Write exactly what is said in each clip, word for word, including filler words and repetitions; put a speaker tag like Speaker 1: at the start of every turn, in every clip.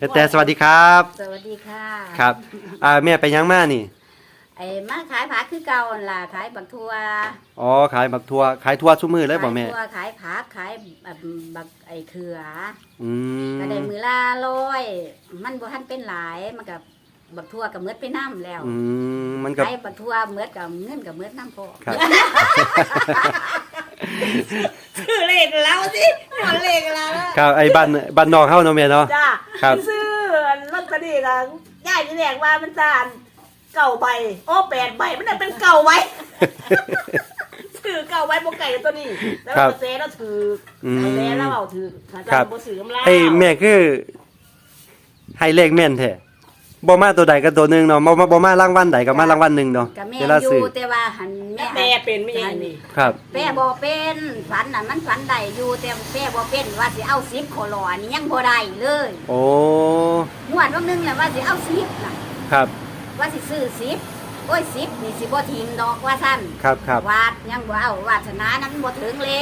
Speaker 1: แต่สวัสดีครับ
Speaker 2: สวัสดีค่ะ
Speaker 1: ครับอ่าแม่ไปยังมานี่
Speaker 2: ไอ้มาขายผักคือเก่าหั่นล่ะขายบักทั่ว
Speaker 1: อ๋อขายบักทั่วขายทั่วซุมื้อเลยบ่แม่
Speaker 2: ขายทั่วขายผักขายแบบบักไอ้เขือ
Speaker 1: อืม
Speaker 2: ก็ได้มื้อละร้อยมันบ่ทันเป็นหลายมันก็บักทั่วก็หมดไปน้ำแล้ว
Speaker 1: อืมมันก็
Speaker 2: ขายบักทั่วหมดก็เงินก็หมดน้ำพอ
Speaker 1: ครับ
Speaker 3: ซื้อเลขแล้วสิหมดเลขแล้ว
Speaker 1: ครับไอ้บ้านบ้านนอกเฮาเนาะแม่เนาะ
Speaker 3: จ้า
Speaker 1: ครับ
Speaker 3: ซื้อลอตเตอรี่ก็ย่ายที่แรกว่ามันจานเก่าใบโอ้แปดใบมันน่ะเป็นเก่าไว้ซื้อเก่าไว้บ่ไก่ตัวนี้แล้วก็เซ่แล้วถือไอ้แม่แล้วเอาถือถ้าจะบ่ซื้อกำไร
Speaker 1: ไอ้แม่คือให้เลขแม่นแท้บ่มาตัวใดก็ตัวหนึงเนาะบ่มาบ่มารางวัลใดก็มารางวัลหนึงเนาะ
Speaker 2: ก็แม่อยู่แต่ว่าหันแม่
Speaker 3: แม่เป็นไม่เองนี่
Speaker 1: ครับ
Speaker 2: แม่บ่เป็นฝันน่ะมันฝันได้อยู่แต่แม่บ่เป็นว่าสิเอาสิบโคโลอันนี้ยังบ่ได้เลย
Speaker 1: โอ้
Speaker 2: งวดวันนึงแหละว่าสิเอาสิบน่ะ
Speaker 1: ครับ
Speaker 2: ว่าสิซื้อสิบโอ้ยสิบนี่สิบ่ทิมดอกว่าซั่น
Speaker 1: ครับครับ
Speaker 2: วาดยังบ่เอาวาสนานั้นบ่ถึงเลย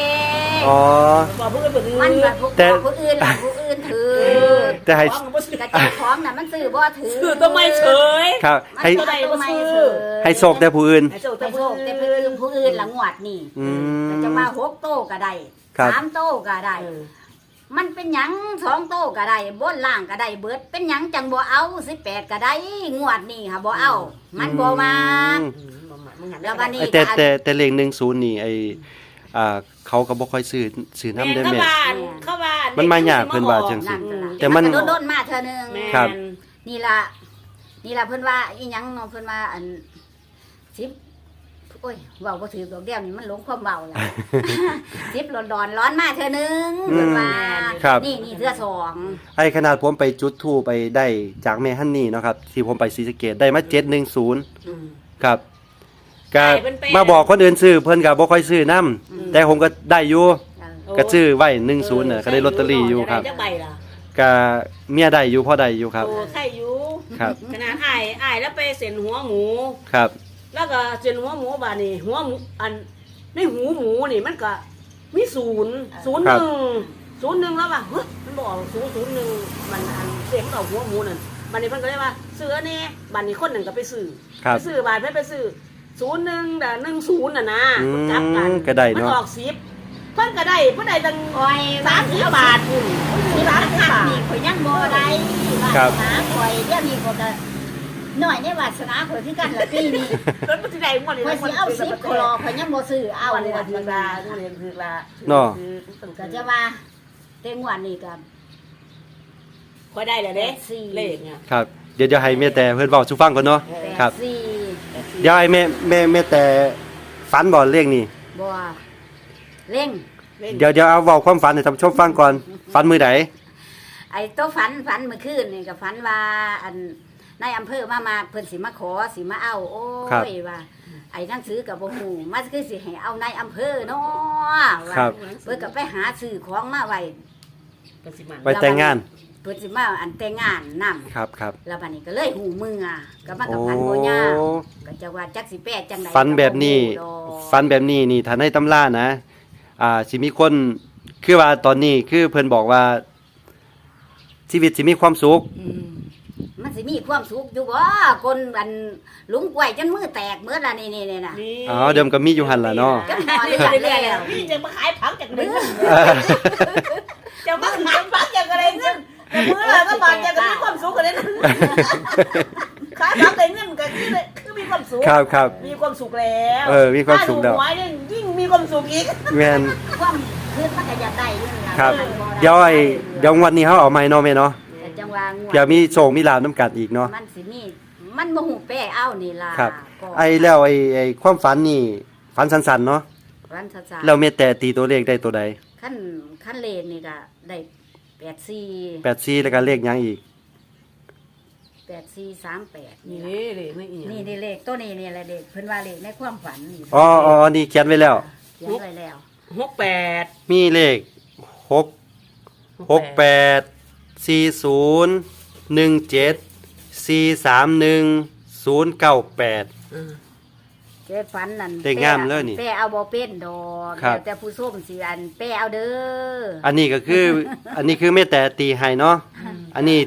Speaker 1: อ๋อ
Speaker 3: บ่ผู้อื่นบ่ถือ
Speaker 2: มันว่าผู้ผู้อื่นล่ะผู้อื่นถือ
Speaker 1: แต่ให้
Speaker 2: กระเจ้าของน่ะมันซื้อบ่ถือ
Speaker 3: ซื้อตัวไม่เฉย
Speaker 1: ครับ
Speaker 2: ให้
Speaker 1: ให้ให้โชคแต่ผู้อื่น
Speaker 3: ให้โชคแต่
Speaker 2: ให้
Speaker 3: ผู้
Speaker 2: โชคแต่ผู้อื่นผู้อื่นละงวดนี่
Speaker 1: อืม
Speaker 2: ก็จะว่าหกโตก็ได้สามโตก็ได้มันเป็นหยังสองโตก็ได้บนล่างก็ได้เบิดเป็นหยังจังบ่เอาสิบแปดก็ได้งวดนี่ค่ะบ่เอามันบ่มาแล้ววันนี้
Speaker 1: แต่แต่แต่เลขหนึ่งศูนย์นี่ไอ้อ่าเขาก็บ่ค่อยซื้อซื้อนำเด้อแม่
Speaker 3: เข้าบ้านเข้าบ้าน
Speaker 1: มันมายากเพิ่นว่าจังซี่
Speaker 2: แต่มันโดนๆมาเทื่อนึง
Speaker 1: ครับ
Speaker 2: นี่ล่ะนี่ล่ะเพิ่นว่าอีหยังเนาะเพิ่นว่าอันสิบโอ้ยเว้าบ่ถือดอกเดียวนี่มันหลงความเว้าล่ะ สิบร้อนๆร้อนมาเทื่อนึงเพิ่นว่านี่นี่เทื่อสอง
Speaker 1: ไอ้ขนาดผมไปจุดธูปไปได้จากแม่ฮันนี่เนาะครับที่ผมไปศรีสะเกษได้มาเจ็ดหนึ่งศูนย์ครับก็มาบอกคนอื่นซื้อเพิ่นก็บ่ค่อยซื้อนำแต่ผมก็ได้อยู่ก็ซื้อไว้หนึ่งศูนย์น่ะก็ได้ลอตเตอรี่อยู่ครับก็เมียได้อยู่พอได้อยู่ครับ
Speaker 3: โอ้ใช่อยู่
Speaker 1: ครับ
Speaker 3: ขนาดอ้ายอ้ายแล้วไปเส้นหัวหมู
Speaker 1: ครับ
Speaker 3: แล้วก็เส้นหัวหมูบาดนี่หัวหมูอันในหูหมูนี่มันก็มีศูนย์ศูนย์หนึ่งศูนย์หนึ่งแล้วป่ะเฮ้ยมันบอกศูนย์ศูนย์หนึ่งมันอันเสียงเอาหัวหมูนั่นบาดนี้เพิ่นก็เลยว่าซื้อนี่บาดนี้คนหนึ่งก็ไปซื้อไปซื้อบาดเพิ่นไปซื้อศูนย์หนึ่งแต่หนึ่งศูนย์น่ะนะจับกันมันออกสิบเพิ่นก็ได้เพิ่นได้ตั้งสามสิบบาทคุณสามสิบบาท
Speaker 2: นี่ข่อยยังบ่ได้วาสนาข่อยเดี๋ยวนี้ก็น้อยในวาสนาข่อยคือกันละปีนี้
Speaker 3: รถมันสิได้หมดเลย
Speaker 2: ข่อยสิเอาสิบโคโลข่อยยังบ่ซื้อเอา
Speaker 3: วันนี้
Speaker 2: ว่า
Speaker 3: ถือลาทุเรียนถือลา
Speaker 1: เนาะ
Speaker 2: ก็จะว่าเต็งวันนี้ก็
Speaker 3: ค่อยได้แล้วเด้เลขเนี่ย
Speaker 1: ครับเดี๋ยวจะให้แม่แต่เพิ่นเว้าสู่ฟังก่อนเนาะครับ
Speaker 2: สี่
Speaker 1: เดี๋ยวให้แม่แม่แม่แต่ฝันบ่เลขนี่
Speaker 2: บ่เร่ง
Speaker 1: เดี๋ยวเดี๋ยวเอาเว้าความฝันให้ท่านผู้ชมฟังก่อนฝันมื้อใด
Speaker 2: ไอ้โตฝันฝันเมื่อคืนนี่ก็ฝันว่าอันนายอำเภอมามาเพิ่นสิมาขอสิมาเอาโอ้ยว่าไอ้หนังสือกับบ่ฮู้มันคือสิให้เอานายอำเภอเนาะว่าเพิ่นก็ไปหาซื้อของมาไว้
Speaker 1: ไปแต่งงาน
Speaker 2: เพิ่นสิมาอันแต่งงานนำ
Speaker 1: ครับครับ
Speaker 2: แล้วบัดนี้ก็เลยหูมืออ่ะก็มากับพันบ่ยาวก็จะว่าจักสิแปดจังได๋
Speaker 1: ฝันแบบนี้ฝันแบบนี้นี่ถ้าในตำรานะอ่าสิมีคนคือว่าตอนนี้คือเพิ่นบอกว่าชีวิตสิมีความสุข
Speaker 2: มันสิมีความสุขอยู่บ่คนอันลุงกล้วยจนมือแตกเมื่อละนี่นี่ๆน่ะ
Speaker 1: อ๋อเดิมก็มีอยู่หั่นล่ะเนาะ
Speaker 2: ก็พอได้แล้ว
Speaker 3: พี่จะมาขายผักจากเดือนจะมาขายผักจากอะไรเงินแต่มื้อละก็บาทจะก็มีความสุขกันเลยนะขายผักได้เงินก็คือคือมีความสุข
Speaker 1: ครับครับ
Speaker 3: มีความสุขแล้ว
Speaker 1: เออมีความสุขแล้ว
Speaker 3: หวยนี่ยิ่งมีความสุขอีก
Speaker 1: แม่น
Speaker 2: ความคือมันก็อยากได้อยู่นั่นล่ะ
Speaker 1: ครับเดี๋ยวไอ้เดี๋ยววันนี้เฮาเอาใหม่เนาะแม่เนาะ
Speaker 2: จังว่างวด
Speaker 1: เดี๋ยวมีโชคมีลาภนำกันอีกเนาะ
Speaker 2: มันสิมีมันบ่ฮู้แป้เอานี่ล่ะ
Speaker 1: ครับไอ้แล้วไอ้ไอ้ความฝันนี่ฝันสั้นๆเนาะ
Speaker 2: ฝันสั้นๆ
Speaker 1: แล้วแม่แต่ตีตัวเลขได้ตัวใด
Speaker 2: ขั้นขั้นเลขนี่ก็ได้แปดสี่
Speaker 1: แปดสี่แล้วก็เลขหยังอีก
Speaker 2: แปดสี่สามแปด
Speaker 3: นี่เลขนี่อีหยัง
Speaker 2: นี่นี่เลขตัวนี้นี่แหละเลขเพิ่นว่าเลขในความฝันนี่
Speaker 1: อ๋ออ๋อนี่เขียนไว้แล้ว
Speaker 2: เขียนไว้แล้ว
Speaker 3: หกแปด
Speaker 1: มีเลขหก หกแปด สี่ศูนย์ หนึ่งเจ็ด สี่สามหนึ่ง ศูนย์เก้าแปด
Speaker 2: เจ้ฝันนั่น
Speaker 1: เลขงามเลยนี่
Speaker 2: แป้เอาบ่เป็นดอกแล้วแต่ผู้ส้มสิอันแป้เอาเด้อ
Speaker 1: อันนี้ก็คือ อันนี้คือแม่แต่ตีให้เนาะอันนี้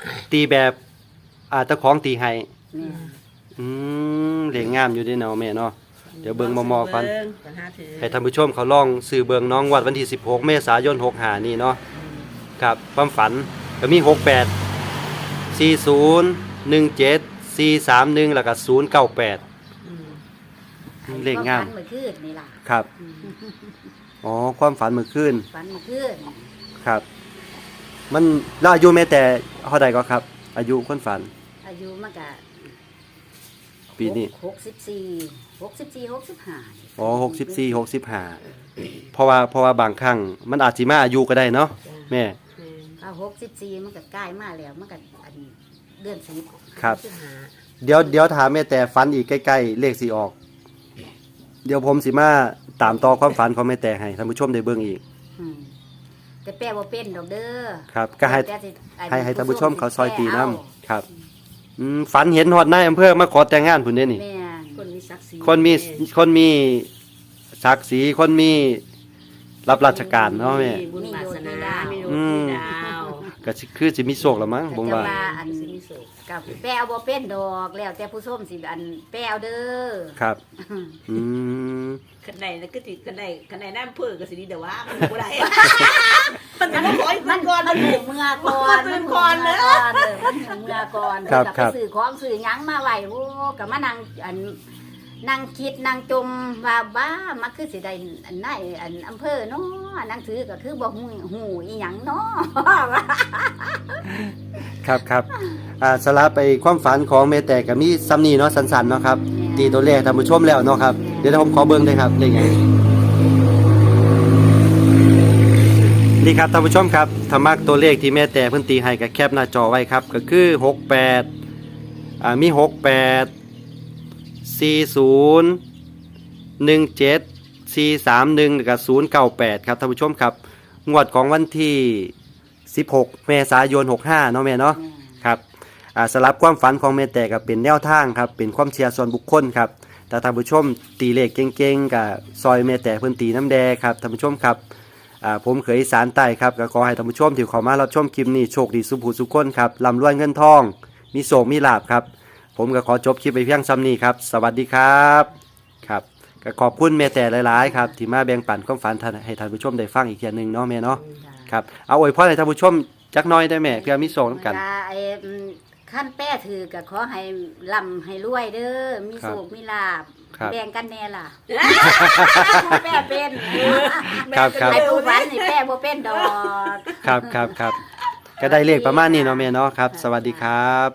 Speaker 1: ตีแบบอ่าเจ้าของตีให้
Speaker 2: แม่
Speaker 1: อืมเลขงามอยู่เด้เนาะแม่เนาะเดี๋ยวเบิ่งมอๆก่อน
Speaker 3: เบิ่งปัญหาถือ
Speaker 1: ให้ท่านผู้ชมเขาลองซื้อเบิ่งน้องวัดวันที่สิบหกเมษายนหกห้านี่เนาะครับความฝันก็มีหกแปด สี่ศูนย์ หนึ่งเจ็ด สี่สามหนึ่งแล้วก็ศูนย์เก้าแปด
Speaker 3: อืม
Speaker 1: เลขงาม
Speaker 2: ฝันเมื่อคืนนี่ล่ะ
Speaker 1: ครับ อ๋อ ความฝันเมื่อคืน
Speaker 2: ฝันเมื่อคืน
Speaker 1: ครับ มันแล้วอายุแม่แต่เท่าใดก็ครับ อายุคนฝัน
Speaker 2: อายุมันก็
Speaker 1: ปีนี้
Speaker 2: หกสิบสี่หกสิบสี่หกสิบห้า
Speaker 1: อ๋อหกสิบสี่ หกสิบห้าเพราะว่าเพราะว่าบางครั้งมันอาจสิมาอายุก็ได้เนาะแม่
Speaker 3: แม่น
Speaker 2: ถ้าหกสิบสี่มันก็ใกล้มาแล้วมันก็อันเดือนสิบ
Speaker 1: ครับ
Speaker 3: สิหา
Speaker 1: เดี๋ยวเดี๋ยวถามแม่แต่ฝันอีกใกล้ๆเลขสิออก เดี๋ยวผมสิมาตามต่อความฝันของแม่แต่ให้ท่านผู้ชมได้เบิ่งอีก
Speaker 2: อืมแต่แปลว่าเป็นดอกเด้อ
Speaker 1: ครับ ก็ให้
Speaker 2: แต่สิอัน
Speaker 1: ให้ให้ท่านผู้ชมเขาซอยตีน้
Speaker 2: แปล
Speaker 1: ำครับอืมฝันเห็นฮอดนายอำเภอมาขอแต่งงานพุ่นเด้นี่
Speaker 2: แม่น
Speaker 3: คนมีศักดิ์ศรี
Speaker 1: คนมีคนมีศักดิ์ศรีคนมีรับราชการเนาะแม่
Speaker 3: บุญวาสนามีลูก
Speaker 1: อืม
Speaker 3: มีดาว
Speaker 1: ก็สิคือสิมีโชคละมั้งผมว่า
Speaker 2: แต่ว่าอัน
Speaker 3: สิมีสุข
Speaker 2: กับแปลบ่เป็นดอกแล้วแต่ผู้ชมสิอันแปลเด้อ
Speaker 1: ครับอืม
Speaker 3: คันใดแล้วก็ติคันใดคันใดน้ำเพื่อก็สิดีแต่ว่ามันบ่ได้มันมันขอให้
Speaker 2: มั
Speaker 3: มัน นก่อน
Speaker 2: มันหูเมื่อก่อน
Speaker 3: มันตื่นก่อนเด้อ
Speaker 2: มันหูเมื่อก่อน
Speaker 1: ครับ
Speaker 2: เดี๋ยว
Speaker 1: ครับ
Speaker 2: ไปซื้อของซื้อหยังมาไว้โอ้ก็มานั่งอันนั่งคิดนั่งจมว่าบ้ามันคือสิได้อันไหนอันอำเภอเนาะหนังสือก็คือบ่ฮู้ฮู้อีหยังเนาะ
Speaker 1: ครับครับอ่าสลับไปความฝันของแม่แต่ก็มีซ้ำนี้เนาะสั้นๆเนาะครับตีตัวเลขท่านผู้ชมแล้วเนาะครับเดี๋ยวผมขอเบิ่งเลยครับเลขหยังนี่ครับท่านผู้ชมครับถ้ามักตัวเลขที่แม่แต่เพิ่นตีให้ก็แคปหน้าจอไว้ครับก็คือหกแปดอ่ามีหกแปด สี่ศูนย์ หนึ่งเจ็ด สี่สามหนึ่งแล้วก็ศูนย์เก้าแปดครับท่านผู้ชมครับงวดของวันที่สิบหกเมษายนหกห้าเนาะแม่เนาะครับอ่าสลับความฝันของแม่แต่ก็เป็นแนวทางครับเป็นความเชื่อส่วนบุคคลครับแต่ท่านผู้ชมตีเลขเก่งๆกับซอยแม่แต่เพิ่นตีน้ำแดงครับท่านผู้ชมครับอ่าผมเคยอีสานใต้ครับก็ขอให้ท่านผู้ชมที่เข้ามารับชมคลิปนี้โชคดีสุขหูสุขคนครับร่ำรวยเงินทองมีโชคมีลาภครับผมก็ขอจบคลิปไปเพียงซ้ำนี้ครับสวัสดีครับครับก็ขอบคุณแม่แต่หลายๆครับที่มาแบ่งปันความฝันท่านให้ท่านผู้ชมได้ฟังอีกเทียหนึงเนาะแม่เนาะครับเอาอวยพรให้ท่านผู้ชมจักหน้อยได้แม่เพื่อมีโชคนำกัน
Speaker 2: ไอ้อืมขั้นแป้ถือก็ขอให้ร่ำให้รวยเด้อมี
Speaker 1: ครับ
Speaker 2: โชคมีลาภ
Speaker 1: ครับ
Speaker 2: แบ่งกันแน่ล่ะแป้เป็น
Speaker 1: ครับครับ
Speaker 2: ไอ้ผู้ฝันนี่แป้บ่เป็นดอก
Speaker 1: ครับครับครับก็ได้เลขประมาณนี้เนาะแม่เนาะครับ สวัสดีครับ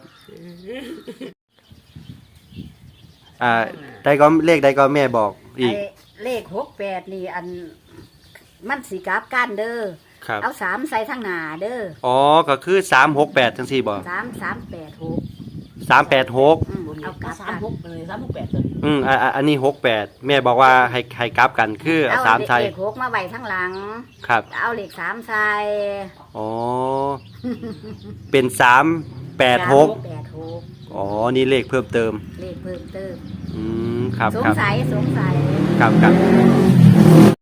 Speaker 1: อ่าได้ก็เลขได้ก็แม่บอกอีก
Speaker 2: ไอ้เลขหกแปดนี่อันมันสีกราบกันเด้อ
Speaker 1: ครับ
Speaker 2: เอาสามใส่ทางหน้าเด้อ
Speaker 1: อ๋อก็คือสามหกแปดจังสี่บ่
Speaker 2: สามสามแปดหก
Speaker 1: สามแปดหก
Speaker 2: อืมเอากลับ
Speaker 3: สา
Speaker 2: กั
Speaker 3: ม
Speaker 2: น
Speaker 3: หกเลยสามหกแปดเลย
Speaker 1: อืมอ่าอ่าอันนี้หกแปดแม่บอกว่าให้ให้กลับกันคือ
Speaker 2: เอา
Speaker 1: สามไทย
Speaker 2: เลขหกมาไว้ทางหลัง
Speaker 1: ครับ
Speaker 2: เอาเลขสามใส่
Speaker 1: อ๋อเป็นสามแปดหก
Speaker 2: สามแปดหก
Speaker 1: อ๋อนี่เลขเพิ่มเติม
Speaker 2: เลขเพิ่มเติม
Speaker 1: อืมครับ
Speaker 2: สง
Speaker 1: ครับ
Speaker 2: สัยสงสัย
Speaker 1: ครับครับ